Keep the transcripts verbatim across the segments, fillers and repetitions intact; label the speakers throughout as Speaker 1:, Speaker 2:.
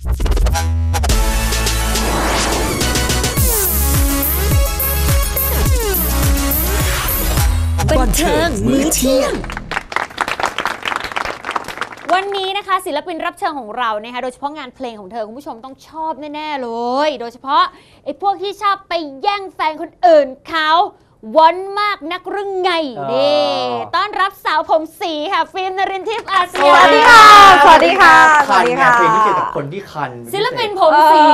Speaker 1: บันเทิงมื้อเที่ยง
Speaker 2: วันนี้นะคะศิลปินรับเชิญของเรานะคะโดยเฉพาะงานเพลงของเธอคุณผู้ชมต้องชอบแน่ๆเลยโดยเฉพาะไอ้พวกที่ชอบไปแย่งแฟนคนอื่นเขาวันมากนักเรื่องไงเด้ต้อนรับสาวผมสีค่ะฟิล์มนรินทร์ทิพย์อาเซียน
Speaker 3: สวัสดีค่ะสวัสดีค่ะสวัสดีค่ะ
Speaker 4: เพลงที่เกี่ยวกับคนที่คัน
Speaker 2: ศิลปินผมสี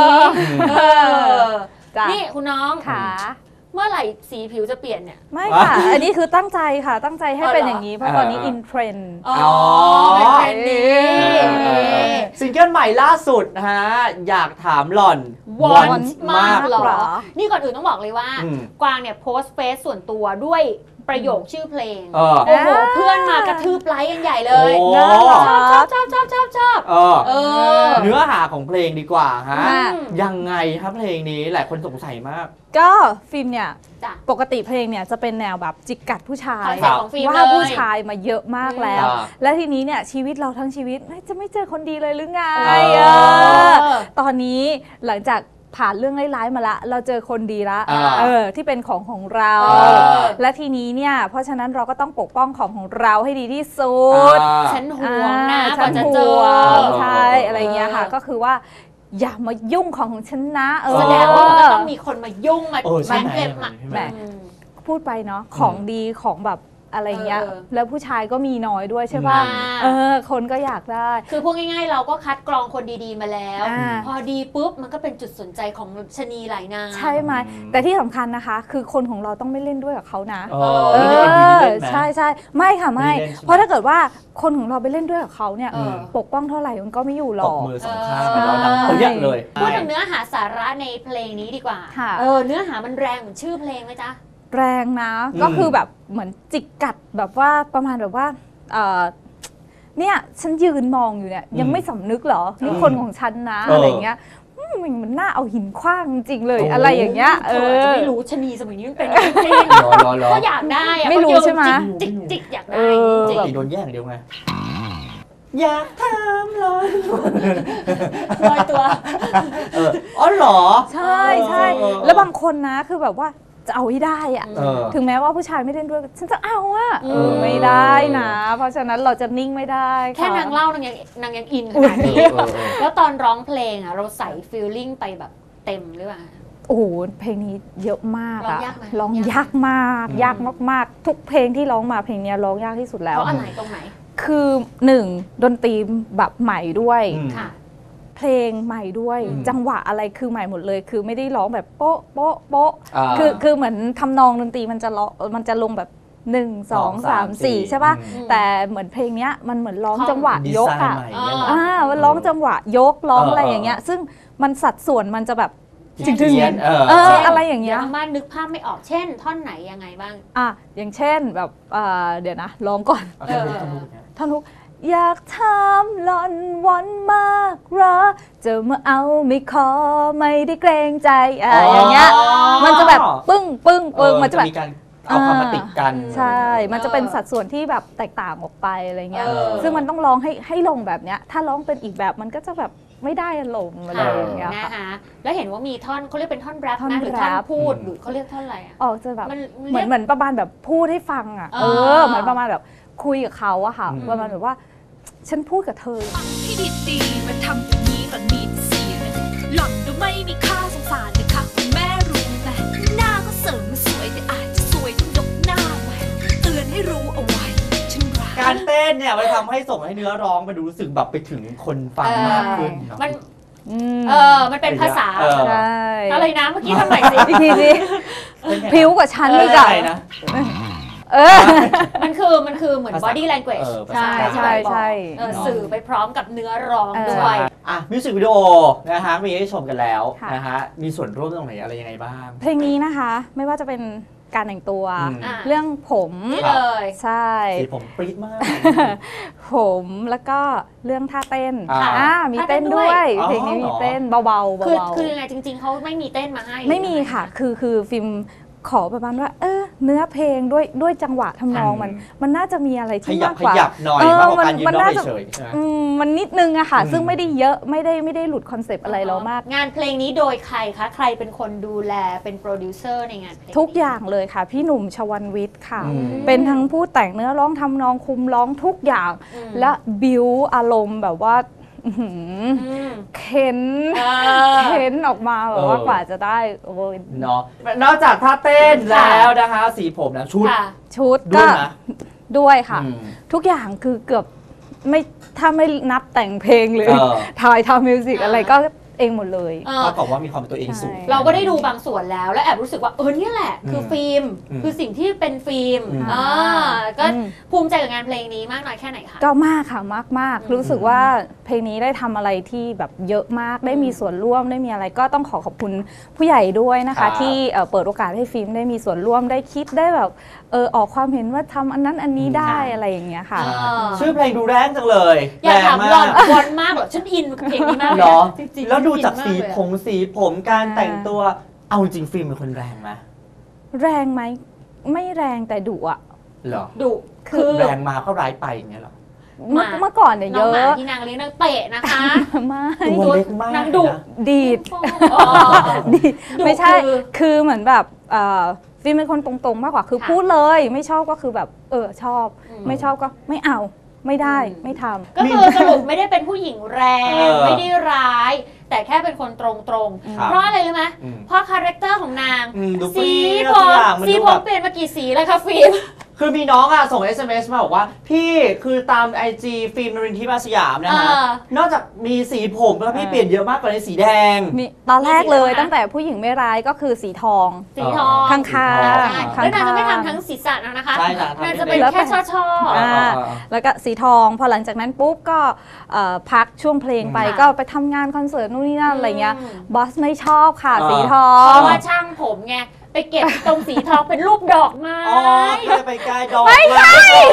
Speaker 2: นี่คุณน้อง
Speaker 3: ค่ะ
Speaker 2: เมื่อไหร่สีผิวจะเปลี่ยนเนี่ย
Speaker 3: ไม่ค่ะอันนี้คือตั้งใจค่ะตั้งใจให้เป็นอย่างนี้เพราะตอนนี้อินเทรนด์
Speaker 2: อ๋อเป็นเทรนด์นี้
Speaker 4: ซิงเกิลใหม่ล่าสุดนะฮะอยากถามหล่อน
Speaker 2: วอนมากหรอนี่ก่อนอื่นต้องบอกเลยว่ากวางเนี่ยโพสต์เฟซส่วนตัวด้วยประโยคชื่อเพลงโอ้โหเพื่อนมากระทืบไลค์กันใหญ่เลยชอบชอบชอบชอบชอบชอบ
Speaker 4: เนื้อหาของเพลงดีกว่าฮะยังไงครับเพลงนี้หลายคนสงสัยมาก
Speaker 3: ก็ฟิล์มเนี่ยปกติเพลงเนี่ยจะเป็นแนวแบบจิกกัดผู้ชายว่าผู้ชายมาเยอะมากแล้วและทีนี้เนี่ยชีวิตเราทั้งชีวิตจะไม่เจอคนดีเลยหรือไงตอนนี้หลังจากผ่านเรื่องร้ายๆมาละเราเจอคนดีละเออที่เป็นของของเราและทีนี้เนี่ยเพราะฉะนั้นเราก็ต้องปกป้องของของเราให้ดีที่สุด
Speaker 2: ฉันห่วงนะ
Speaker 3: ฉันห่วงใช่อะไรเงี้ยค่ะก็คือว่าอย่ามายุ่งของของฉันนะเออ
Speaker 2: แสดงว่ามันต้องมีคนมายุ่งมาแม่เก็บมา
Speaker 3: แหมพูดไปเนาะของดีของแบบอะไรเงี้ยแล้วผู้ชายก็มีน้อยด้วยใช่ป่ะเออคนก็อยากได้
Speaker 2: คือพูดง่ายๆเราก็คัดกรองคนดีๆมาแล้วพอดีปุ๊บมันก็เป็นจุดสนใจของชนีหลายนาง
Speaker 3: ใช่ไหมแต่ที่สำคัญนะคะคือคนของเราต้องไม่เล่นด้วยกับเขานะ
Speaker 4: เออ
Speaker 3: ใช่ใช่ไม่ค่ะไม่เพราะถ้าเกิดว่าคนของเราไปเล่นด้วยกับเขาเนี่ยปกป้องเท่าไหร่มันก็ไม่อยู่หรอก
Speaker 4: มือสองข้างเราดังเขาเยอะเลย
Speaker 2: พูดถึงเนื้อหาสาระในเพลงนี้ดีกว่าเออเนื้อหามันแรงเหมือนชื่อเพลงไหมจ๊ะ
Speaker 3: แรงนะก็คือแบบเหมือนจิกกัดแบบว่าประมาณแบบว่าเนี่ยฉันยืนมองอยู่เนี่ยยังไม่สำนึกเหรอนี่คนของฉันนะอะไรเงี้ยมันน่าเอาหินขว้างจริงเลยอะไรอย่างเงี้ยเออ
Speaker 2: จะไม่รู้ชนีสมัยนี้มันเป็นเพลงก็อยากได้
Speaker 3: ไม่รู้ใช่ไหม
Speaker 2: จิกจิกอยากได้
Speaker 4: จิกโดนแย่งเดียวไงอยากทำลอย
Speaker 2: ลอยตัว
Speaker 4: อ๋อเหรอ
Speaker 3: ใช่ใช่แล้วบางคนนะคือแบบว่าจะเอาให้ได้อะถึงแม้ว่าผู้ชายไม่เล่นด้วยฉันจะเอาอะไม่ได้นะเพราะฉะนั้นเราจะนิ่งไม่ได้
Speaker 2: แค่นางเล่านางยังนางยังอินขนาดนี้แล้วตอนร้องเพลงอะเราใส่ฟีลลิ่งไปแบบเต็มหรือเปล่า
Speaker 3: โอ้โหเพลงนี้เยอะมากอะร้องยากมากยากมากๆทุกเพลงที่ร้องมาเพลงนี้ร้องยากที่สุดแล้ว
Speaker 2: เพราะอะไรตรงไหน
Speaker 3: คือหนึ่งดนตรีแบบใหม่ด้วยเพลงใหม่ด้วยจังหวะอะไรคือใหม่หมดเลยคือไม่ได้ร้องแบบโป๊ะโป๊ะโป๊ะคือคือเหมือนทำนองดนตรีมันจะร้องมันจะลงแบบหนึ่งสองสามสี่ใช่ป่ะแต่เหมือนเพลงเนี้ยมันเหมือนร้องจังหวะยกอ่ะอ่ามันร้องจังหวะยกร้องอะไรอย่างเงี้ยซึ่งมันสัดส่วนมันจะแบบจริงๆเอออะไรอย่างเงี้ย
Speaker 2: มานึกภาพไม่ออกเช่นท่อนไหนยังไงบ้าง
Speaker 3: อ่ะอย่างเช่นแบบเดี๋ยวนะร้องก่อนท่อนฮุกอยากถามหล่อนวันมากเหรอจะมาเอาไม่ขอไม่ได้เกรงใจอะไรอย่างเงี้ยมันจะแบบปึ้งปึ้งปึ้งมันจะแบบ
Speaker 4: เอาคำมาติดกัน
Speaker 3: ใช่มันจะเป็นสัดส่วนที่แบบแตกต่างออกไปอะไรเงี้ยซึ่งมันต้องร้องให้ให้ลงแบบเนี้ยถ้าร้องเป็นอีกแบบมันก็จะแบบไม่ได้อารมณ์อะไรอย่างเงี้ย
Speaker 2: นะคะแล้วเห็นว่ามีท่อนเขาเรียกเป็นท่อนแรปนะหรือท่อนพูดหรือเขาเรียกท่อนอะไรอ่ะ
Speaker 3: ออกจะแบบเหมือนเหมือนประมาณแบบพูดให้ฟังอ่ะเออเหมือนประมาณแบบคุยกับเขาอะค่ะประมาณแบบว่าฉันพูดกับเธอ
Speaker 1: ฟังให้ดีๆมาทำอย่างนี้หล่อนมีเสียงหล่อนดูไม่มีค่าสงสารเลยค่ะคุณแม่รู้ไหมหน้าก็เสริมมาสวยแต่อาจจะสวยต้องยกหน้าไว้เตือนให้รู้เอาไว้ฉันรัก
Speaker 4: การเต้นเนี่ยมันทำให้ส่งให้เนื้อร้องมันรู้สึกแบบไปถึงคนฟังมากขึ้น
Speaker 2: มันเออมันเป็นภาษา
Speaker 3: ใช่
Speaker 2: อะไรนะเมื่อกี้ทำใหม่สิ
Speaker 3: อีกทีสิผิวกว่าฉันอีกอะเออ
Speaker 2: มันคือมันคือเหมือน body language
Speaker 3: ใช่ใช่ใช่
Speaker 2: สื่อไปพร้อมกับเนื้อร้องด้วย
Speaker 4: อ่ะมิวสิกวิดีโอนะฮะมีให้ชมกันแล้วนะฮะมีส่วนร่วมตรงไหนอะไรยังไงบ้าง
Speaker 3: เพลงนี้นะคะไม่ว่าจะเป็นการแต่งตัวเรื่องผม
Speaker 2: เลย
Speaker 3: ใช่
Speaker 4: ผมปรี๊ดมาก
Speaker 3: ผมแล้วก็เรื่องท่าเต้นอ่ามีเต้นด้วยเพลงนี้มีเต้นเบาๆเบา
Speaker 2: ๆคือคือยังไงจริงๆเขาไม่มีเต้นมาให้
Speaker 3: ไม่มีค่ะคือคือฟิล์มขอประมาณว่าเออเนื้อเพลงด้วยด้วยจังหวะทำนองมันมันน่าจะมีอะไร
Speaker 4: ข
Speaker 3: ที่
Speaker 4: ยับ
Speaker 3: มาก
Speaker 4: ข
Speaker 3: กว่า
Speaker 4: ยับหน่อย
Speaker 3: เออ
Speaker 4: มากกว่าการยืน
Speaker 3: มัน
Speaker 4: ร้อง
Speaker 3: น่าจะ
Speaker 4: เฉยๆใช่ไหม
Speaker 3: อืมมันนิดนึงอะค่ะ
Speaker 4: อืม
Speaker 3: ซึ่งไม่ได้เยอะไม่ได้ไม่ได้หลุดคอนเซปต์อะไรเรามาก
Speaker 2: งานเพลงนี้โดยใครคะใครเป็นคนดูแลเป็นโปรดิวเซอร์ในงานเพลงนี้
Speaker 3: ทุกอย่างเลยค่ะ พี่หนุ่มชวันวิทย์ค่ะ
Speaker 4: อืม
Speaker 3: เป็นทั้งผู้แต่งเนื้อร้องทำนองคุมร้องทุกอย่าง
Speaker 2: อืม
Speaker 3: และบิวอารมณ์แบบว่าอื้อหือ
Speaker 2: อืม
Speaker 3: เค้น
Speaker 2: เออ
Speaker 3: เค้นออกมาแบบว่ากว่าจะได้โอ้ย
Speaker 4: เนาะนอกจากท่าเต้นแล้วนะคะสีผมนะชุด
Speaker 2: ค่ะ
Speaker 3: ชุด
Speaker 4: ด้
Speaker 3: ก็
Speaker 4: วยนะ
Speaker 3: ด้วยค่ะ
Speaker 4: อืม
Speaker 3: ทุกอย่างคือเกือบไม่ถ้าไม่นับแต่งเพลงหรือ
Speaker 4: เออ
Speaker 3: ถ่ายทำมิวสิก
Speaker 2: อ่า
Speaker 3: อะไรก็เองหมดเลย
Speaker 2: เออ
Speaker 4: เท่ากับว่ามีความเป็นตัวเองสูง
Speaker 3: ใช่
Speaker 2: เราก็ได้ดูบางส่วนแล้วแล้วแอบรู้สึกว่าเออเนี่ยแหละ คือฟิล์ม
Speaker 4: อืม
Speaker 2: คือสิ่งที่เป็นฟิล์ม
Speaker 4: อืม
Speaker 2: อ่าก็
Speaker 3: อืม
Speaker 2: ภูมิใจกับงานเพลงนี้มากน้อยแค่ไหนคะ
Speaker 3: ก็มากค่ะมากมาก
Speaker 2: อืม
Speaker 3: รู้สึกว่าเพลงนี้ได้ทำอะไรที่แบบเยอะมากได้มีส่วนร่วมได้มีอะไรก็ต้องขอขอบคุณผู้ใหญ่ด้วยนะ
Speaker 4: ครั
Speaker 3: คะ
Speaker 4: บ
Speaker 3: ที่เอ่อเปิดโอกาสให้ฟิล์มได้มีส่วนร่วมได้คิดได้แบบเออออกความเห็นว่าทำอันนั้นอันนี้ได้อะไรอย่างเงี้ยค่ะ
Speaker 2: อ่า
Speaker 4: ชื่อเพลงดูแรงจังเลย
Speaker 2: อยากถาม
Speaker 4: แรง
Speaker 2: หล่อน
Speaker 4: มาก
Speaker 2: วอนมากเหรอฉันอินกับเพลงนี้มากเลย
Speaker 4: เหรอ
Speaker 2: จริงๆ
Speaker 4: แล้วดูจาก
Speaker 2: ฉัน
Speaker 4: สี
Speaker 2: อินมเลยอะ
Speaker 4: ผมสีผมการแต่งตัวเอาจริงฟิล์มเป็นคนแรงไหม
Speaker 3: แรงไหมไม่แรงแต่ดุอะ
Speaker 4: เหรอ
Speaker 2: ดุคือ
Speaker 4: แรงมาก็ร้ายไปอย่างเงี้ยเหรอ
Speaker 3: เมื่อเมื่อก่อนเนี่ย
Speaker 2: น้
Speaker 3: เย
Speaker 2: องหมา
Speaker 3: อะ
Speaker 2: ที่นางเลี้ยงนางเตะนะคะ
Speaker 3: ไม่
Speaker 4: ตัวเล็กมาก
Speaker 2: นางดุ
Speaker 4: นะ
Speaker 3: ดีด
Speaker 2: อ๋อ
Speaker 3: ดีด
Speaker 2: ดุ
Speaker 3: ไม่ใช่
Speaker 2: คือ
Speaker 3: คือเหมือนแบบเอ่อฟิล์มเป็นคนตรงๆมากกว่าคือ
Speaker 2: ค่ะ
Speaker 3: พูดเลยไม่ชอบก็คือแบบเออชอบ
Speaker 2: อืม
Speaker 3: ไม่ชอบก็ไม่เอาไม่ได้
Speaker 2: อืม
Speaker 3: ไม่ทำ
Speaker 2: ก็คือสรุปไม่ได้เป็นผู้หญิงแรง
Speaker 4: เออ
Speaker 2: ไม่ได้ร้าย แต่แค่เป็นคนตรง
Speaker 4: ครับ
Speaker 2: ๆ เพราะอะไรรู้ไหม
Speaker 4: อืม
Speaker 2: เพราะคาแรคเตอร์ของนาง
Speaker 4: อืมดู
Speaker 2: สี
Speaker 4: เปรี้ยว
Speaker 2: ผม
Speaker 4: ทุกอย่างมัน
Speaker 2: สี
Speaker 4: ดู
Speaker 2: ผ
Speaker 4: แบ
Speaker 2: ม
Speaker 4: บ
Speaker 2: เปลี่ยนมากี่สีเลยคะฟิล์ม
Speaker 4: คือมีน้องอ่ะส่ง เอส เอ็ม เอส มาบอกว่า พี่คือตาม ไอ จี ฟิล์มนรินทร์ทิพย์อาสยามนะฮะ
Speaker 2: เออ
Speaker 4: นอกจากมีสีผมแล้วพี่
Speaker 3: เออ
Speaker 4: เปลี่ยนเยอะมากกว่าในสีแดง
Speaker 3: มีตอนแรกเลย
Speaker 2: มีสีอะไรนะ
Speaker 3: ตั้งแต่ผู้หญิงไม่ร้ายก็คือสีทอง
Speaker 2: สีทอง
Speaker 3: ข้างๆ
Speaker 4: สีทอง
Speaker 2: ใช่แล้วนางจะไม่ทำทั้งศีรษะนะคะ
Speaker 4: ใช่นางทำ
Speaker 2: นางจะเป็น
Speaker 3: แล้ว
Speaker 2: แค่ช่อช่อๆ
Speaker 3: อ่า แล้วก็สีทองพอหลังจากนั้นปุ๊บก็เอ่อพักช่วงเพลงไป
Speaker 2: ค่ะ
Speaker 3: ก็ไปทำงานคอนเสิร์ตนู่นนี่นั่นอะไรเงี้ย
Speaker 2: อืม
Speaker 3: บอสไม่ชอบค่ะ
Speaker 4: อ่า
Speaker 3: สีทอ
Speaker 2: เพ
Speaker 3: ง
Speaker 2: ราะว่าช่างผมไงไปเก็บตรงสีทองเป็นรูปดอกไม้
Speaker 4: อ๋อก็เลยไปใกล้ดอกไม่ใช่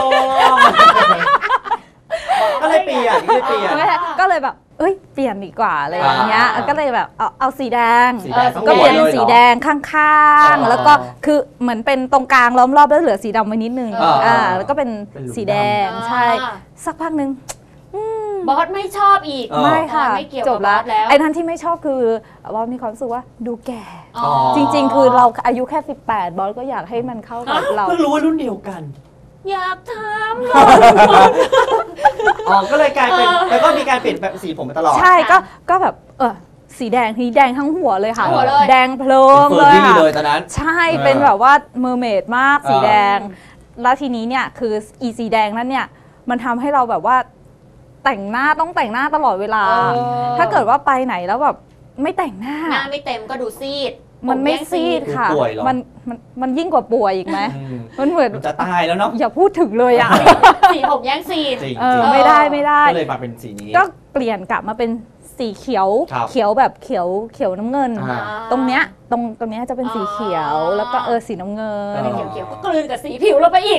Speaker 4: ก็เลยเปลี่ยนก็เลยเปลี่ยน
Speaker 3: ไม่ใช่ก็เลยแบบ เอ้ย เปลี่ยนดีกว่าอะไรอย่างเงี้ย
Speaker 4: อ่า
Speaker 3: ก็เลยแบบเอาเอาสีแดง
Speaker 4: สีแดงทั้งหมด
Speaker 3: ก็เปลี่ยนเป็น
Speaker 4: เลยเหรอ
Speaker 3: สีแดงข้าง
Speaker 4: อ๋อ
Speaker 3: ๆ แล้วก็คือเหมือนเป็นตรงกลางล้อมรอบแล้วเหลือสีดำไว้นิดนึง
Speaker 4: อ่า
Speaker 3: อ่า แล้วก็เป็น
Speaker 4: เป็นหลุม
Speaker 3: สีแดง
Speaker 2: อ่า
Speaker 3: ใช่ สักพักหนึ่ง
Speaker 2: บอสไม่ชอบอีก
Speaker 4: เออ
Speaker 3: ไม่ค่ะ
Speaker 2: ไม่เกี่ยว
Speaker 3: จ
Speaker 2: กับบ
Speaker 3: แล้ว
Speaker 2: บอสแล้ว
Speaker 3: ไอ้นั้นที่ไม่ชอบคือว่ามีความรู้สึกว่าดูแก่
Speaker 2: อ๋อ
Speaker 3: จริง ๆ คือเราอายุแค่สิบแปดบอสก็อยากให้มันเข้ากับเรา
Speaker 4: เพิ่งรู้ว่ารุ่นเดียวกัน
Speaker 2: อยากถามห
Speaker 4: อ๋อ ก็เลยกลายเป็น แล้วก็มีการเปลี่ยนแปลงสีผมมาตลอด
Speaker 3: ใช่ก็ก็แบบเออสีแดงทีแดงทั้งหัวเลยค่ะ
Speaker 2: ทั้งหัวเลย
Speaker 3: แดงเพลิ
Speaker 4: เป็น
Speaker 3: ง
Speaker 4: เฟอ
Speaker 3: เล
Speaker 4: ร์
Speaker 3: ย
Speaker 4: รี่
Speaker 3: ค่ะ
Speaker 4: เลยตอนนั้น
Speaker 3: ใช่
Speaker 4: เออ
Speaker 3: เป็นแบบว่าเมอร์เมดมากสี
Speaker 4: เออ
Speaker 3: แดง แล้วทีนี้เนี่ยคืออีสีแดงนั้นเนี่ยมันทำให้เราแบบว่าแต่งหน้าต้องแต่งหน้าตลอดเวลา
Speaker 2: เออ
Speaker 3: ถ้าเกิดว่าไปไหนแล้วแบบไม่แต่งหน้า
Speaker 2: หน้าไม่เต็มก็ดูซีด
Speaker 3: มันไม่
Speaker 2: ผแย่ง
Speaker 3: ซีดค่ะ
Speaker 4: ป่วยเหรอ
Speaker 3: มันมันมันยิ่งกว่าป่วยอีกไหม
Speaker 4: อืม
Speaker 3: มันเหมือน
Speaker 4: มันจะตายแล้วเนาะ
Speaker 3: อย่าพูดถึงเลยอ่ะ
Speaker 2: สีผมแย่งซีด
Speaker 4: จริง
Speaker 3: เอ
Speaker 4: จ
Speaker 3: อ
Speaker 4: ริง
Speaker 3: ไม่ได้ไม่ได้
Speaker 4: ก็เลยมาเป็นสีนี้
Speaker 3: ก็เปลี่ยนกลับมาเป็นสีเขียว
Speaker 4: ครับ
Speaker 3: เขียวแบบเขียวเขียวน้ำเงิน
Speaker 4: อ่า
Speaker 3: ตรงเนี้ยตรงตรงเนี้ยจะเป็นสีเขียว
Speaker 2: อ๋อ
Speaker 3: แล้วก็เออสีน้ำเงิน
Speaker 4: อ๋อ
Speaker 2: เขียวๆก็กลืนกับสีผิวเราไปอีก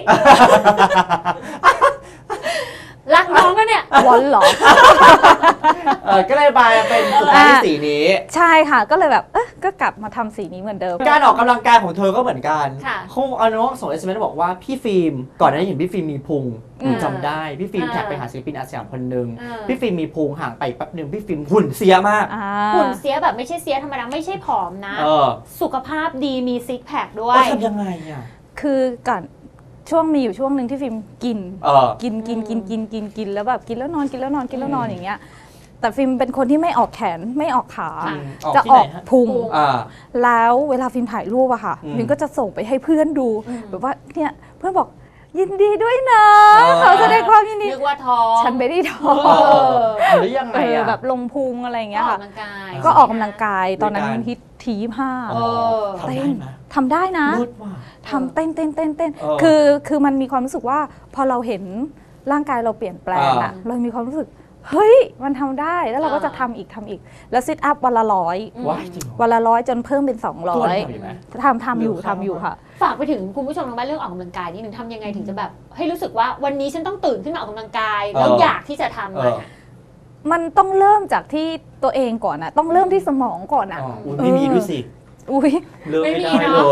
Speaker 2: รักน้องก็เนี่ย
Speaker 3: วอนเหรอ
Speaker 4: เออก็เลยมาเป็นสุดท้ายที่สีนี้
Speaker 3: ใช่ค่ะ ก็เลยแบบเอ๊ะก็กลับมาทำสีนี้เหมือนเดิม
Speaker 4: การออกกำลังกายของเธอก็เหมือนกัน
Speaker 2: ค่ะ
Speaker 4: เขาเอาน้องส่งเอสเอ็มเอสบอกว่าพี่ฟิล์มก่อนหน้านี้เห็นพี่ฟิล์มมีพุง
Speaker 3: อืม
Speaker 4: จำได้พี่ฟิล์ม
Speaker 2: อ่า
Speaker 4: แท็กไปหาศิลปินอาสยามคนหนึ่ง
Speaker 2: อ่า
Speaker 4: พี่ฟิล์มมีพุงห่างไปแป๊บหนึ่งพี่ฟิล์มหุ่นเสียมาก
Speaker 3: อ่า
Speaker 2: หุ่นเสียแบบไม่ใช่เสียธรรมดาไม่ใช่ผอมนะ
Speaker 4: เออ
Speaker 2: สุขภาพดีมีซิกแพคด้ว
Speaker 4: ว่าย ทำยังไงอ่ะ
Speaker 3: คือก่อนช่วงมีอยู่ช่วงหนึ่งที่ฟิล์มกิน
Speaker 4: เออ
Speaker 3: กินกินกินกินกินกินแล้วแบบกินแล้วนอนกินแล้วนอนกินแล้วนอนอย่างเงี้ย แต่ฟิล์มเป็นคนที่ไม่ออกแขนไม่ออกขา
Speaker 2: ค่ะ
Speaker 4: ออก
Speaker 3: จะ
Speaker 4: ที่
Speaker 3: อ
Speaker 4: ไหน
Speaker 3: อก
Speaker 4: ฮะ
Speaker 3: พุง
Speaker 2: พุง
Speaker 4: อ่า
Speaker 3: แล้วเวลาฟิล์มถ่ายรูปอะค่ะ
Speaker 4: อืม
Speaker 3: ฟิล์มก็จะส่งไปให้เพื่อนดู
Speaker 2: อืม
Speaker 3: แบบว่าเนี่ยเพื่อนบอกยินดีด้วยนะ
Speaker 4: เออ
Speaker 3: ขอแสดงความยินดี
Speaker 2: นึกว่าท้อง
Speaker 3: ฉันไม่ได้ท้อ
Speaker 4: เอง อหรือยังไง
Speaker 3: เออ
Speaker 4: อ่ะ
Speaker 3: แบบลงพุงอะไรอย่าง
Speaker 2: ก็
Speaker 3: เงี้ย
Speaker 2: ออก
Speaker 3: ค่ะ
Speaker 2: กำลังกาย
Speaker 3: ก็ออกกำลังกายตอนนั้น
Speaker 4: ด้วยกัน
Speaker 3: ฮิตทียี่ห้า
Speaker 2: เออ
Speaker 4: ทำได้ไหม
Speaker 3: ทำได้นะ
Speaker 4: รุดว่ะ
Speaker 3: ทำเต้นเต้นเต้นเต้น
Speaker 4: เออ
Speaker 3: คือคือมันมีความรู้สึกว่าพอเราเห็นร่างกายเราเปลี่ยนแปลงอะ
Speaker 4: อ่า
Speaker 3: เรามีความรู้สึกเฮ้ยมันทำได้แล้วเราก็
Speaker 2: อ่า
Speaker 3: จะทำอีกทำอีก แล้วซิทอัพวันละร้อย
Speaker 2: อืม
Speaker 4: ว้ายจริงเหรอ
Speaker 3: วันละร้อยจนเพิ่มเป็นสองร้
Speaker 4: ตั
Speaker 3: อ
Speaker 4: วย ทำอยู่ไหม
Speaker 3: ทำทำอยู่
Speaker 4: เร็วเข้า
Speaker 3: ทำอยู่ค่ะ
Speaker 2: ฝากไปถึงคุณผู้ชมทางบ้านเรื่องออกกำลังกายนิดนึงทำยังไงถึงจะแบบ ให้รู้สึกว่าวันนี้ฉันต้องตื่นขึ้นมาออกกำลังกาย แล้ว
Speaker 4: เออ
Speaker 2: อยากที่จะทำ
Speaker 4: เอ
Speaker 2: มัน
Speaker 4: อ
Speaker 2: อะ
Speaker 3: มันต้องเริ่มจากที่ตัวเองก่อนอะต้องเริ่มที่สมองก่อนอะ
Speaker 4: อ๋ออุ๊ยไม่มีด้วยสิ
Speaker 3: อุ้ย
Speaker 4: เลิกไม่
Speaker 2: ไม่มี
Speaker 4: ได้
Speaker 2: เนอะ
Speaker 4: เลย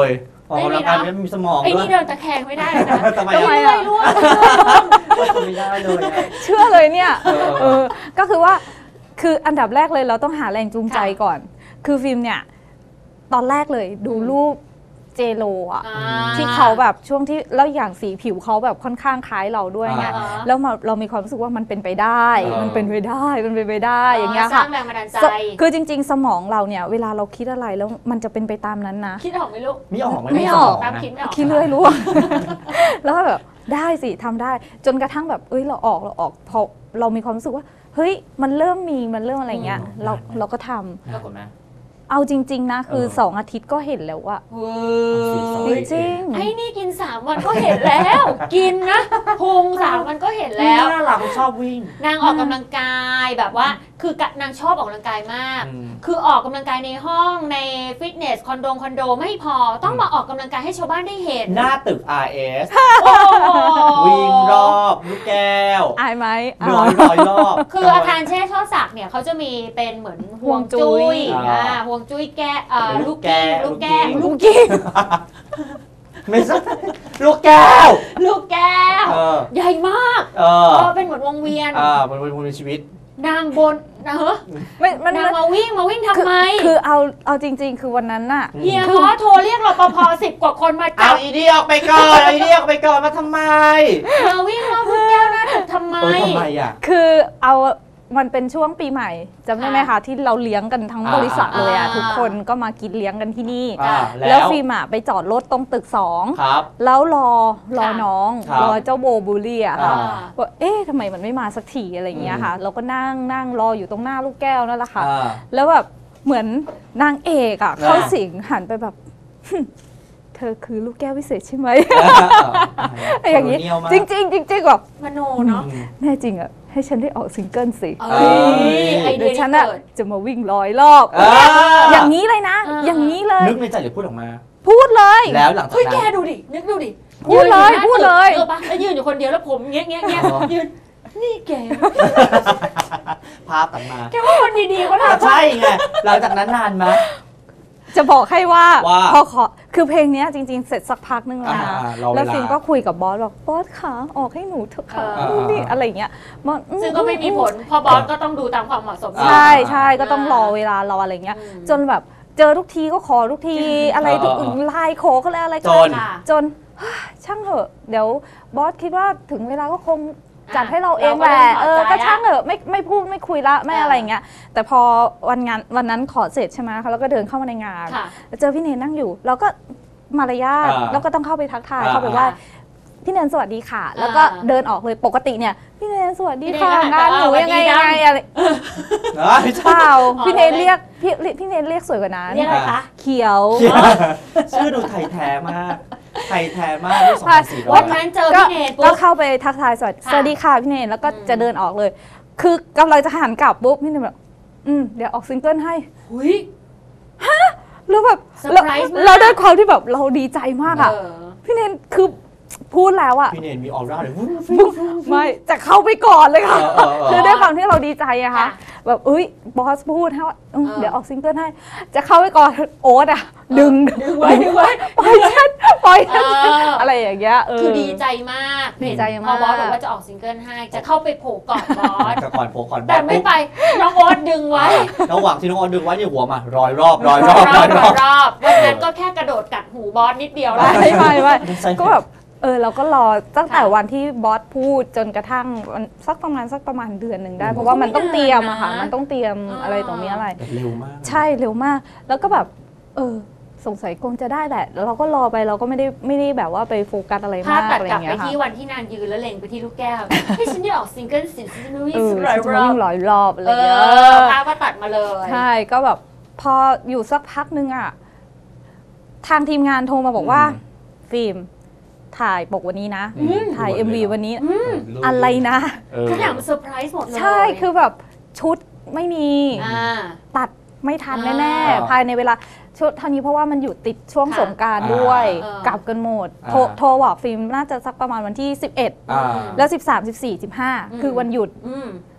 Speaker 4: ออกกำลังกายไม่มีสมอง
Speaker 2: ไอ้
Speaker 4: ด้ว
Speaker 2: นี่
Speaker 4: ย
Speaker 2: เดินตะแคงไม่ได้เลยนะ
Speaker 4: ทำไม
Speaker 2: ต้อง
Speaker 4: อ่ะ
Speaker 2: เลื่อยร่วง
Speaker 4: ไม่ได้เลยอะ
Speaker 3: เชื่อเลยเนี่ย
Speaker 4: เออ
Speaker 3: เออก็คือว่าคืออันดับแรกเลยเราต้องหาแรงจูงใจก่อน คือฟิล์มเนี่ยตอนแรกเลยดูรูปเจโลอะ
Speaker 2: อ่า
Speaker 3: ที่เขาแบบช่วงที่แล้วอย่างสีผิวเขาแบบค่อนข้างคล้ายเราด้วยไง
Speaker 2: อ่า
Speaker 3: แล้วมาเรามีความรู้สึกว่ามันเป็นไปได้
Speaker 4: เออ
Speaker 3: มันเป็นไปได้มันเป็นไปได้อย่างเงี้ย
Speaker 2: สร้า
Speaker 3: ค่ะ
Speaker 2: งแรงบันดาลใจ
Speaker 3: คือจริง ๆ สมองเราเนี่ยเวลาเราคิดอะไรแล้วมันจะเป็นไปตามนั้นนะ
Speaker 2: คิดออกไหมลูก
Speaker 4: ไม่ออก
Speaker 3: ไม่ออก
Speaker 4: ส
Speaker 2: ตาม
Speaker 4: นะ
Speaker 2: คิดไม่ออก
Speaker 3: คิดเรื่อยรู้ แล้วก็แบบได้สิทำได้ จนกระทั่งแบบเอ้ยเราออกเราออกพอเรามีความรู้สึกว่าเฮ้ยมันเริ่มมีมันเริ่มอะไรเงี้ย
Speaker 4: อืม
Speaker 3: เราเราก็ทำ
Speaker 4: น่ากลัวไหม
Speaker 3: เอาจริง ๆ นะ คือ
Speaker 4: เออ
Speaker 3: สองอาทิตย์ก็เห็นแล้วว่า
Speaker 2: เว้
Speaker 3: จ
Speaker 2: ย
Speaker 3: ริง
Speaker 2: ไอ้นี่กินสามวันก็เห็นแล้ว กินนะพุงสามวันก็เห็นแล้ว
Speaker 4: น่ารักชอบวิ่ง
Speaker 2: นางออกกำลังกายแบบว่า คือนางชอบออกกำลังกายมาก
Speaker 4: อืม
Speaker 2: คือออกกำลังกายในห้องในฟิตเนสคอนโดคอนโดไม่พอต้องมาออกกำลังกายให้ชาวบ้านได้เห็น
Speaker 4: หน้าตึก อาร์ เอส
Speaker 2: โอ้โห
Speaker 4: วิ่งรอบลูกแก้ว
Speaker 3: ๆ อายไหม
Speaker 4: ร้อยร้อยรอบ
Speaker 2: คืออาคารแช่ช่อศักดิ์เนี่ยเขาจะมีเป็นเหมือนห่วงจุ้ย
Speaker 4: ห่วงจุ้ย
Speaker 2: อ่าห่วงจุ้ยแก้เอ่อ
Speaker 4: เป็นลู
Speaker 2: ลู
Speaker 4: ก
Speaker 2: ก
Speaker 4: แก้
Speaker 2: แก้
Speaker 4: ว
Speaker 2: ลูกแก้ว
Speaker 4: ลู
Speaker 2: ลู
Speaker 4: ก
Speaker 2: ก
Speaker 4: กิ้ง ไม่ใช่ลูกแก้ว
Speaker 2: ลูกแก้ว
Speaker 4: เออ
Speaker 2: ใหญ่มาก
Speaker 4: เออ
Speaker 2: เออเป็นเหมือนวงเวียน
Speaker 4: อ่ามันเป็นชีวิต
Speaker 2: นางบนนะเฮ้
Speaker 3: ไม่มัน
Speaker 2: นางมาวิ่งมาวิ่งทำ
Speaker 3: คือ
Speaker 2: ไม
Speaker 3: คือเอาเอาจริง ๆ คือวันนั้นน่ะ
Speaker 2: เฮียขอโทรเรียกรปภสิบกว่าคนมาจั
Speaker 4: เอา
Speaker 2: บ
Speaker 4: อีเดียออกไปก่อนเอาอีเดียออกไปก่อนมาทำไม
Speaker 2: มาวิ่งรอบลูกแก้วหน้าตึกทำไม
Speaker 4: เออทำไมอ่ะ
Speaker 3: คือเอามันเป็นช่วงปีใหม่จำได้ไหมคะที่เราเลี้ยงกันทั้ง
Speaker 4: อ่า
Speaker 3: บริษัทเลยอ่ะ
Speaker 2: อ่า
Speaker 3: ทุกคนก็มากินเลี้ยงกันที่นี่
Speaker 4: อ่า
Speaker 3: แล้
Speaker 4: แล้ว ว
Speaker 3: ฟิล์มอะไปจอดรถตรงตึกสอง
Speaker 4: ครับ
Speaker 3: แล้วรอรอ
Speaker 2: ค่ะ
Speaker 3: น้อง
Speaker 4: ครับ
Speaker 3: รอเจ้าโบบูลลี่อะ
Speaker 4: อ่า
Speaker 3: ค่ะว่าเอ๊ะทำไมมันไม่มาสักทีอะไรอย่างเงี้ยค่ะ เราก็นั่งนั่งรออยู่ตรงหน้าลูกแก้วนั่นแหละค่ะ
Speaker 4: อ่า
Speaker 3: แล้วแบบเหมือนนางเอกอะ
Speaker 4: อ่า
Speaker 3: เข้าสิงหันไปแบบ เธอคือลูกแก้ววิเศษใช่ไหม อย่างนี้
Speaker 4: โคโลเนีลมาก
Speaker 3: จริงจริงๆจริงๆแบบ
Speaker 2: มโนเนาะ
Speaker 4: อืม
Speaker 3: แน่จริงอะให้ฉันได้ออกซิงเกิลสิ
Speaker 2: เอ้ยไอเดี
Speaker 3: เดี๋ย
Speaker 2: ยว
Speaker 3: ฉัน
Speaker 2: นี้
Speaker 3: อะ
Speaker 2: เกิด
Speaker 3: จะมาวิ่งร้อยรอบ
Speaker 4: อ่า
Speaker 3: อย่างนี้เลยนะ
Speaker 2: อ่า
Speaker 3: อย่างนี้เลย
Speaker 4: นึกในใจหรือพูดออกมา
Speaker 3: พูดเลย
Speaker 4: แล้วหลังจาก
Speaker 2: เฮ้ยแก
Speaker 4: นั้น
Speaker 2: ดูดิ นึกดูดิ
Speaker 3: พูดเลย
Speaker 2: นอ
Speaker 3: พูดเลย
Speaker 2: เออปะแล้วยืนอยู่คนเดียวแล้วผมเงี้ยเงี้ยเงี้ย
Speaker 4: อ๋อ
Speaker 2: ยืน นี่แก
Speaker 4: ภาพตัดมา
Speaker 2: แกว่าคนดีๆเขาทำ
Speaker 4: ใช่ไงหลังจากนั้นนานไหม
Speaker 3: จะบอกให้ว่า
Speaker 4: ว่า
Speaker 3: พอขอคือเพลงเนี้ยจริง ๆ เสร็จสักพักนึงแล้วนะ
Speaker 4: อ่าๆรอเวลา
Speaker 3: แล้วฟิล์มก็คุยกับบอสบอกบอสขาออกให้หนูเถอะค่ะ
Speaker 2: เออ
Speaker 3: นู่นนี่อะไรอย่างเงี้ยบอสอื
Speaker 2: ซึ่งก็ไม่มีผลเพอบอสก็ต้องดูตามความเหมาะสม
Speaker 3: ใช่ใช่ก็ต้องรอเวลารออะไรเงี้ย
Speaker 2: อืม
Speaker 3: จนแบบเจอทุกทีก็ขอทุกทีอะไรทุก
Speaker 4: เออเออ
Speaker 3: ไลน์ขอก็แล้วอะไรก็
Speaker 4: จ
Speaker 3: แล้ว
Speaker 4: น
Speaker 2: ค่ะ
Speaker 3: จน ช่างเถอะเดี๋ยวบอสคิดว่าถึงเวลาก็คงจัดให้เราเอง
Speaker 2: เราก็
Speaker 3: แหละ
Speaker 2: เริ่ม
Speaker 3: เอ
Speaker 2: ถอดใจ
Speaker 3: อก็ช่างเถอะไม่ไม่พูดไม่คุยละไม่
Speaker 2: อ่า
Speaker 3: อะไรอย่างเงี้ยแต่พอวันงานวันนั้นขอเสร็จใช่ไหมคะแล้วก็เดินเข้ามาในงาน
Speaker 2: ค่ะ
Speaker 3: เจอพี่เนนนั่งอยู่เราก็มารยาท
Speaker 4: อ่า
Speaker 3: แล้วก็ต้องเข้าไปทักทาย
Speaker 4: อ่า
Speaker 3: เข้าไปว่าพี่เนนสวัสดีค่ะ แล้วก็
Speaker 2: อ่า
Speaker 3: เดินออกเลยปกติเนี่ยพี่เนนสวัสดี
Speaker 2: พี่
Speaker 3: ค่ะ
Speaker 2: เนนก็
Speaker 3: งานหนู
Speaker 2: หัน
Speaker 3: ยังไง
Speaker 2: ไป
Speaker 3: ยังไง
Speaker 2: ว่า
Speaker 3: อะไร
Speaker 4: เอ้ย
Speaker 3: เปล่า
Speaker 2: อ๋อ
Speaker 3: พี่เนน
Speaker 2: เลย
Speaker 3: เรียกพี่พี่เนนเรียกสวยกว่านั้น
Speaker 2: เรียกอะไรคะ
Speaker 3: เขียว
Speaker 4: ชื่อดูไทยแท้มาก ไทยแท้มากด้วยสองพันสี่ร้อ
Speaker 2: วั
Speaker 4: ย
Speaker 2: นนั้นเจอ
Speaker 3: ก็
Speaker 2: พี่เนท
Speaker 3: ก็
Speaker 2: ปุ๊บ
Speaker 3: เข้าไปทักทายสวัสดี
Speaker 2: ค่ะ
Speaker 3: สวัสดีค่ะพี่เนนแล้วก็
Speaker 2: อืม
Speaker 3: จะเดินออกเลย คือกำลังจะหันกลับปุ๊บพี่เนนแบบอืมเดี๋ยวออกซิงเกิลให้
Speaker 2: หุย
Speaker 3: แล้วแบบ
Speaker 2: เซอร์
Speaker 3: เรา
Speaker 2: ไพรส์มาก
Speaker 3: เราด้วยความที่แบบเราดีใจมากอะ
Speaker 2: เออ
Speaker 3: พี่เนนคือพูดแล้วอะ
Speaker 4: พี่เนนมีออร่าเลย
Speaker 3: ไม่จะเข้าไปก่อนเลยค่ะ
Speaker 4: เออเออเออ
Speaker 3: คือด้วยความที่เราดีใจอะค่ะ
Speaker 2: ค่ะ
Speaker 3: แบบเอ้ยบอสพูดให้ว่าอืม
Speaker 2: เออ
Speaker 3: เดี๋ยวออกซิงเกิลให้ จะเข้าไปก่อนโอ๊ตอะดึง
Speaker 2: ดึงไว้ดึงไว้
Speaker 3: ปล่อยฉันปล่อยฉัน
Speaker 2: เอออ
Speaker 3: อะไรอย่างเงี้ยเ
Speaker 2: คือดีใจมาก
Speaker 3: ดีใจมาก
Speaker 2: พอบอสบอกว่าจะออกซิงเกิลให้ จะเข้าไปโผล่กอดบอส
Speaker 4: แต่ก่อนโผล่ก่อน
Speaker 2: แต่ไม่ไป น้องโอ๊ตดึงไว้
Speaker 4: ระหว่างที่น้องออนดึงไว้เนี่ยหัวมารอยรอบรอยรอบ
Speaker 2: ร
Speaker 4: ร
Speaker 2: อ
Speaker 4: อบ ยร
Speaker 2: ร
Speaker 4: อ
Speaker 2: อบบ รอบวันนั้นก็แค่กระโดดกัดหูบอสนิดเดียวแล้ว
Speaker 3: ไม่ไม่ไม่
Speaker 4: ใช่
Speaker 3: ก็แบบเออเราก็รอตั้งแต่
Speaker 2: ค่ะ
Speaker 3: วันที่บอสพูดจนกระทั่งวันสักประมาณสักประมาณเดือนหนึ่งได้
Speaker 4: อืม
Speaker 3: เพราะว่ามันต้องเตรียมอะค่ะ
Speaker 2: ไม่นานนะ
Speaker 3: มันต้องเตรียมอะไรตรงนี้อะไร
Speaker 4: แบบเร็วมาก
Speaker 3: ใช่เร็วมาก แล้วก็แบบเออสงสัยคงจะได้แหละแล้วเราก็รอไปเราก็ไม่ได้ไม่ได้แบบว่าไปโฟกัสอะไร
Speaker 2: ภาพ
Speaker 3: มาก
Speaker 2: ตัด
Speaker 3: อะไร
Speaker 2: กลับ
Speaker 3: เงี้
Speaker 2: ไป
Speaker 3: ยค่ะ
Speaker 2: ที่วันที่นางยืนแล้วเล็งไปที่ลูกแก้วให้ฉันได้ออกซิงเกิลสิฉันจะวิ่ง
Speaker 3: เออ
Speaker 2: สลาย
Speaker 3: จะ
Speaker 2: ร
Speaker 3: มา
Speaker 2: อบ
Speaker 3: วิ่งร้อยรอบอะไร
Speaker 2: เอ
Speaker 3: เงี้ย
Speaker 2: อภาพก็ตัดมาเลย
Speaker 3: ใช่ก็แบบพออยู่สักพักนึงอะทางทีมงานโทรมาบอกว่า
Speaker 4: อืม
Speaker 3: ฟิล์มถ่ายปกวันนี้นะ
Speaker 4: อืม
Speaker 3: ถ่าย
Speaker 4: ด่วนเลย
Speaker 3: เอ็ม วี
Speaker 4: เหรอ
Speaker 3: วันนี้
Speaker 2: อืม
Speaker 3: อะไรนะ
Speaker 4: เออ
Speaker 2: ทุกอย่างมันเซอร์ไพรส์หมดเลย
Speaker 3: ใช่คือแบบชุดไม่มี
Speaker 2: อ่า
Speaker 3: ตัดไม่ทัน
Speaker 2: อ่า
Speaker 3: แน่ๆภายในเวลาชุดเท่านี้เพราะว่ามันอยู่ติดช่วง
Speaker 2: ค่ะ
Speaker 3: สงกรารด้วย
Speaker 2: อ่าก
Speaker 3: ลับกันหมด
Speaker 4: อ่า
Speaker 3: โทรโทรบอกฟิล์มน่าจะสักประมาณวันที่สิบเอ็ด
Speaker 4: อ่า
Speaker 3: แล้วสิบสาม สิบสี่ สิบห้า
Speaker 2: อืม
Speaker 3: คือวันหยุด
Speaker 2: อืม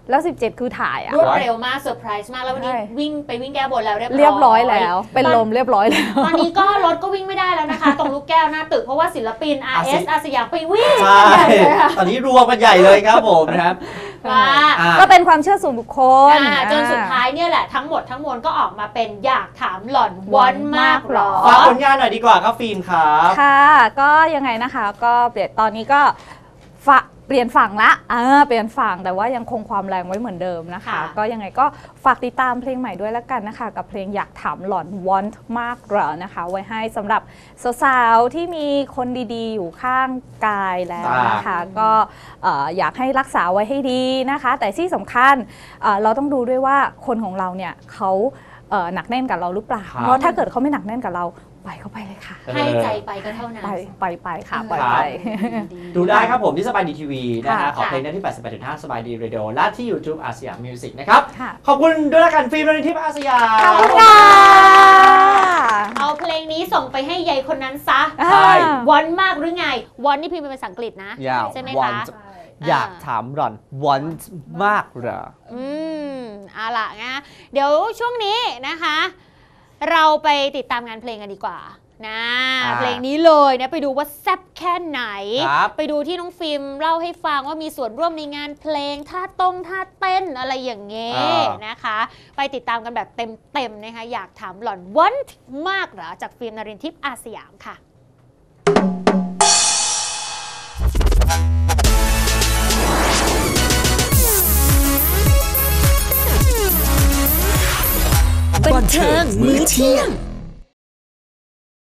Speaker 3: แล้วสิบเจ็ดคือถ่ายอะ
Speaker 2: รวดเร็วมากเซอร์ไพรส์มากแล้ววันนี้
Speaker 3: ใช่
Speaker 2: วิ่งไปวิ่งแก้บนแล้วเรียบร้อย
Speaker 3: เรียบร้อยแล้ว เป็นลมเรียบร้อยแล้ว
Speaker 2: ตอนนี้ก็รถก็วิ่งไม่ได้แล้วนะคะ ตรงลูกแก้วหน้าตึกเพราะว่าศิลปิน อาร์ เอส อาสยามไปวิ่ง
Speaker 4: ใช่
Speaker 2: กันใหญ่เลยค่ะ
Speaker 4: ตอนนี้รวมกันใหญ่เลยครับผมนะครับ
Speaker 2: ว่า
Speaker 4: อ่า
Speaker 3: ก็เป็นความเชื่อส่วนบุคคล
Speaker 2: อ่าจนสุดท้ายเนี่ยแหละทั้งหมดทั้งมวลก็ออกมาเป็นอยากถามหล่อนวอนมากหรอ
Speaker 4: ฝากผลงานหน่อยดีกว่าครับฟิล์มครับ
Speaker 3: ค่ะก็ยังไงนะคะก็เปลี่ยนตอนนี้ก็ฝะเปลี่ยนฝั่งละอ่าเปลี่ยนฝั่งแต่ว่ายังคงความแรงไว้เหมือนเดิมนะคะ
Speaker 2: ค่ะ
Speaker 3: ก็ยังไงก็ฝากติดตามเพลงใหม่ด้วยแล้วกันนะคะ กับเพลงอยากถามหล่อน want มากเหรอนะคะ ไว้ให้สำหรับสาวๆที่มีคนดีๆ อยู่ข้างกายแล้วนะคะ ก็เอ่ออยากให้รักษาไว้ให้ดีนะคะ แต่ที่สำคัญเอ่อเราต้องดูด้วยว่าคนของเราเนี่ยเขาเอ่อหนักแน่นกับเราหรือเปล่า
Speaker 4: ครับ
Speaker 3: เพราะถ้าเกิดเขาไม่หนักแน่นกับเราไปเข้าไปเลยค่ะ
Speaker 2: ให้ใจไปก็เท่านั้น
Speaker 3: ไปไปไปค่ะไป
Speaker 4: ครับ
Speaker 3: ไป
Speaker 4: ดูได้ครับผมที่สบายดีทีวีนะฮะ
Speaker 3: ค่ะ
Speaker 4: ขอเพลงได้ที่ แปดสิบแปดจุดห้า สบายดีเรดิโอและที่ YouTube อาสยามมิวสิกนะครับ
Speaker 3: ค่ะ
Speaker 4: ขอบคุณด้วยละกันฟิล์มนทิพย์อาสยาม
Speaker 3: ขอบคุณค่ะ
Speaker 2: เอาเพลงนี้ส่งไปให้ยายคนนั้นซะ
Speaker 4: ใช่
Speaker 2: วอนมากหรือไงวอนนี่พิมพ์เป็นภาษาอังกฤษนะ
Speaker 5: ยาว
Speaker 2: ใช่ไหม
Speaker 5: วั
Speaker 2: คะ
Speaker 5: นอยากถามหล่อน want มากเหรอ
Speaker 2: อืมเอาล่ะนะเดี๋ยวช่วงนี้นะคะ เราไปติดตามงานเพลงกันดีกว่านะ
Speaker 5: อ่า
Speaker 2: เพลงนี้เลยนะไปดูว่าแซ่บแค่ไหน
Speaker 5: ครับ
Speaker 2: ไปดูที่น้องฟิล์มเล่าให้ฟังว่ามีส่วนร่วมในงานเพลงท่าตรงท่าเต้นอะไรอย่างเงี้ย
Speaker 5: อ่า
Speaker 2: นะคะ ไปติดตามกันแบบเต็มๆนะคะอยากถามหล่อนวันมากเหรอจากฟิล์มนรินทร์ทิพย์อาสยามค่ะ
Speaker 6: บันเทิงมื้อเที่ยง